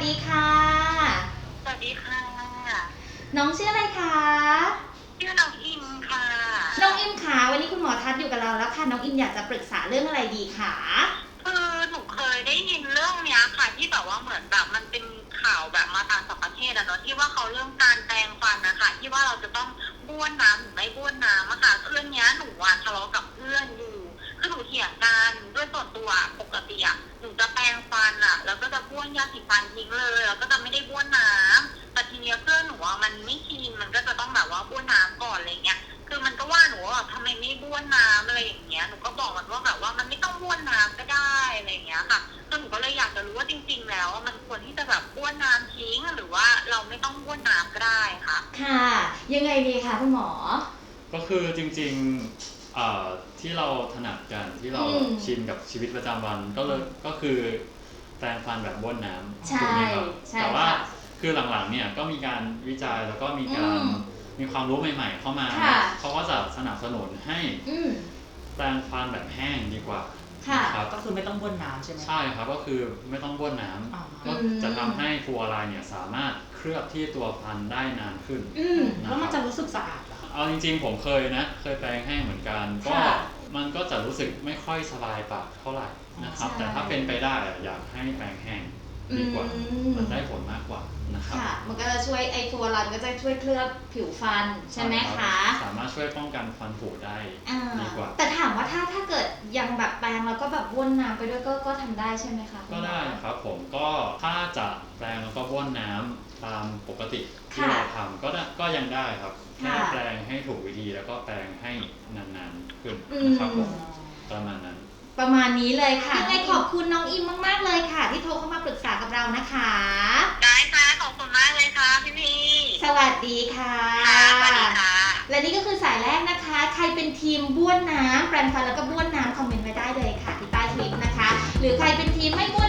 ดีค่ะสวัสดีค่ะน้องชื่ออะไรคะชื่อน้องอิมค่ะน้องอิมขาวันนี้คุณหมอทัศน์อยู่กับเราแล้วค่ะน้องอิมอยากจะปรึกษาเรื่องอะไรดีคะคือหนูเคยได้ยินเรื่องเนี้ยค่ะที่แบบว่าเหมือนแบบมันเป็นข่าวแบบมาต่างประเทศอะเนาะที่ว่าเขาเรื่องการแปรงฟันนะคะที่ว่าเราจะต้องบ้วนน้ำหรือไม่บ้วนน้ำอะค่ะคือเนี้ยหนูอะทะเลาะกับเพื่อนอยู่คือหนูเถียงกันด้วยส่วนตัวปกติอะหนูจะแปรงฟันอะแล้วก็จะบ้วนยาสีฟันทิ้งเลยแล้วก็จะไม่ได้บ้วนน้ำแต่ทีเนี้ยเพื่อนหนูอะมันไม่ชินมันก็จะต้องแบบว่าบ้วนน้ำก่อนอะไรเงี้ย คือมันก็ว่าหนูว่าแบบทำไมไม่บ้วนน้ำอะไรอย่างเงี้ยหนูก็บอกมันว่าแบบว่ามันไม่ต้องบ้วนน้ำก็ได้อะไรอย่างเงี้ยค่ะคือหนูก็เลยอยากจะรู้ว่าจริงๆแล้วมันควรที่จะแบบบ้วนน้ำทิ้งหรือว่าเราไม่ต้องบ้วนน้ำก็ได้ค่ะค่ะยังไงดีคะคุณหมอก็คือจริงๆที่เราถนัดกันที่เราชินกับชีวิตประจำวันก็คือแปรงฟันแบบบ้วนน้ำถูใช่กไหมครับใช่แต่ว่าค่ะคือหลังๆเนี่ยก็มีการวิจัยแล้วก็มีการมีความรู้ใหม่ๆเข้ามาค่ะเขาก็จะสนับสนุนให้แปรงฟันแบบแห้งดีกว่าค่ะก็คือไม่ต้องบ้วนน้ำใช่ไหมใช่ครับก็คือไม่ต้องบ้วนน้ำก็จะทำให้ฟลูออไรด์เนี่ยสามารถเคลือบที่ตัวฟันได้นานขึ้นแล้วมันจะรู้สึกสะอาดเหรอคะเอาจริงๆผมเคยแปรงแห้งเหมือนกันก็มันก็จะรู้สึกไม่ค่อยสบายปากเท่าไหร่นะครับแต่ถ้าเป็นไปได้อยากให้แปรงแห้งดีกว่ามันได้ผลมากกว่านะครับค่ะมันก็จะช่วยไอตัวรันก็จะช่วยเคลือบผิวฟันใช่ไหมคะสามารถช่วยป้องกันฟันผุได้ดีกว่าแต่ถามว่าถ้าเกิดยังแบบแปรงแล้วก็แบบบ้วนน้ำไปด้วยก็ทำได้ใช่ไหมคะก็ได้ครับผมก็ถ้าจะแปรงแล้วก็บ้วนน้ำตามปกติที่เราทำก็ยังได้ครับแค่แปรงให้ถูกวิธีแล้วก็แปรงให้นานๆขึ้นนะครับผมประมาณนั้นประมาณนี้เลยค่ะยังไงขอบคุณน้องอิมมากๆเลยค่ะที่โทรเข้ามาปรึกษากับเรานะคะได้ค่ะขอบคุณมากเลยค่ะพี่สวัสดีค่ะสวัสดีค่ะและนี่ก็คือสายแรกนะคะใครเป็นทีมบ้วนน้ำแปรงฟันแล้วก็บ้วนน้ำคอมเมนต์ไว้ได้เลยค่ะที่ใต้คลิปนะคะหรือใครเป็นทีมไม่บ้วน